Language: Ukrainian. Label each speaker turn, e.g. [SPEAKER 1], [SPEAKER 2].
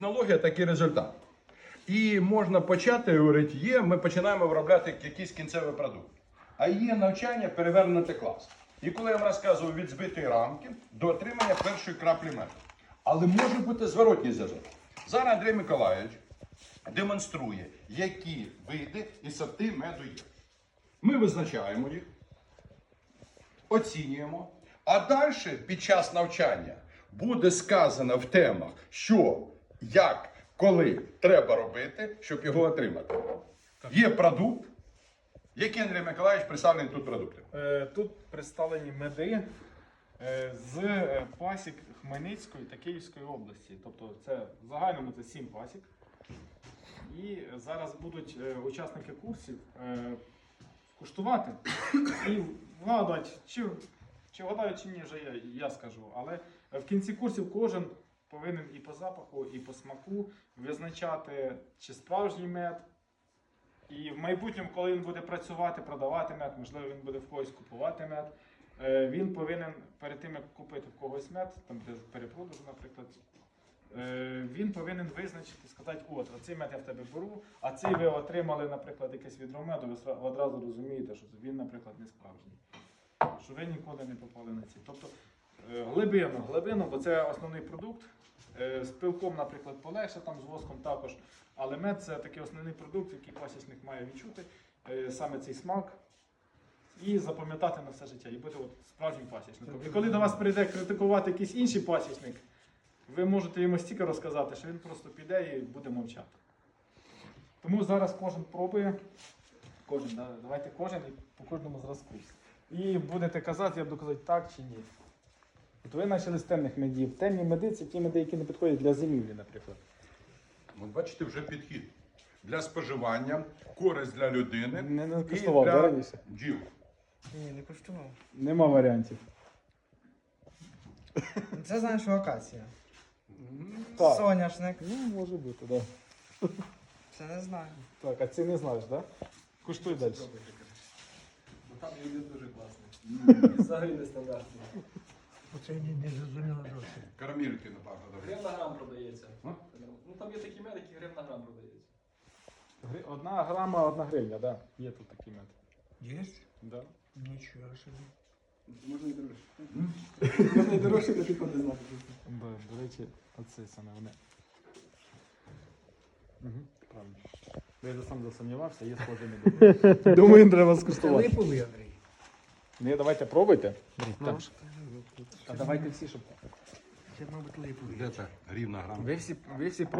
[SPEAKER 1] Технологія такий результат. І можна почати говорити, ми починаємо виробляти якийсь кінцевий продукт. А є навчання перевернути клас. І коли я вам розказував від збитої рамки до отримання першої краплі меду. Але може бути зворотній зв'язок. Зараз Андрій Миколайович демонструє, які види і сорти меду є. Ми визначаємо їх, оцінюємо, а далі під час навчання буде сказано в темах, що, як, коли треба робити, щоб його отримати. Є продукт. Які, Андрій Миколаївич, представлені тут продукти?
[SPEAKER 2] Тут представлені меди з пасік Хмельницької та Київської області. Тобто це в загальному це 7 пасік. І зараз будуть учасники курсів куштувати і вгадувати, чи вгадають, чи ні, вже я скажу. Але в кінці курсів кожен повинен і по запаху, і по смаку визначати, чи справжній мед. І в майбутньому, коли він буде працювати, продавати мед, можливо, він буде в когось купувати мед, він повинен перед тим, як купити в когось мед, там де перепродажу, наприклад, він повинен визначити, сказати, от, оцей мед я в тебе беру, а цей ви отримали, наприклад, якесь відро меду, ви одразу розумієте, що він, наприклад, не справжній. Що ви ніколи не попали на ці. Тобто глибину, бо це основний продукт. З пилком, наприклад, полегше, там з воском також. Але мед це такий основний продукт, який пасічник має відчути, саме цей смак, і запам'ятати на все життя, і бути от справжнім пасічником. І коли до вас прийде критикувати якийсь інший пасічник, ви можете йому стільки розказати, що він просто піде і буде мовчати. Тому зараз кожен пробує, давайте кожен і по кожному зразку. І будете казати, я буду казати так чи ні. От ви почали з темних медів. Темні меди – це ті меди, які не підходять для зимівлі, наприклад.
[SPEAKER 1] От бачите, вже підхід. Для споживання, користь для людини
[SPEAKER 2] Не
[SPEAKER 1] і
[SPEAKER 2] коштував,
[SPEAKER 1] для
[SPEAKER 2] раніше?
[SPEAKER 1] бджіл.
[SPEAKER 3] Ні, не коштував.
[SPEAKER 2] Нема варіантів.
[SPEAKER 3] Це знаєш, що акація.
[SPEAKER 2] Так.
[SPEAKER 3] Соняшник.
[SPEAKER 2] Ну, може бути, так. Да.
[SPEAKER 3] Це не знаю.
[SPEAKER 2] Так, а це не знаєш, так? Да? Куштуй далі.
[SPEAKER 4] Там люди дуже класні. Взагалі нестандартні.
[SPEAKER 5] Оце не зрозуміло зовсім.
[SPEAKER 1] Карамельки, напевно, добре.
[SPEAKER 4] Гривна грам продається.
[SPEAKER 1] А?
[SPEAKER 4] Ну там є такі мед, які гривна грам продається.
[SPEAKER 2] 1 грама, 1 гривня, так. Да. Є тут такий мед.
[SPEAKER 5] Є?
[SPEAKER 2] Да.
[SPEAKER 5] Нічого собі.
[SPEAKER 4] Можна і дорожче. Можна і дорожче, то тільки не знати.
[SPEAKER 2] Да, до речі, оце саме вони. Угу, правильно. Я вже сам засумнівався, є схожі меди. Думаю, треба
[SPEAKER 5] Це
[SPEAKER 2] скуштувати.
[SPEAKER 5] липовий, Андрій.
[SPEAKER 2] Ні, давайте пробуйте.
[SPEAKER 5] Ну,
[SPEAKER 2] А давайте всі, щоб...
[SPEAKER 5] Це, мабуть, липовий.
[SPEAKER 1] Де це? Гривна грам.
[SPEAKER 2] Ви всі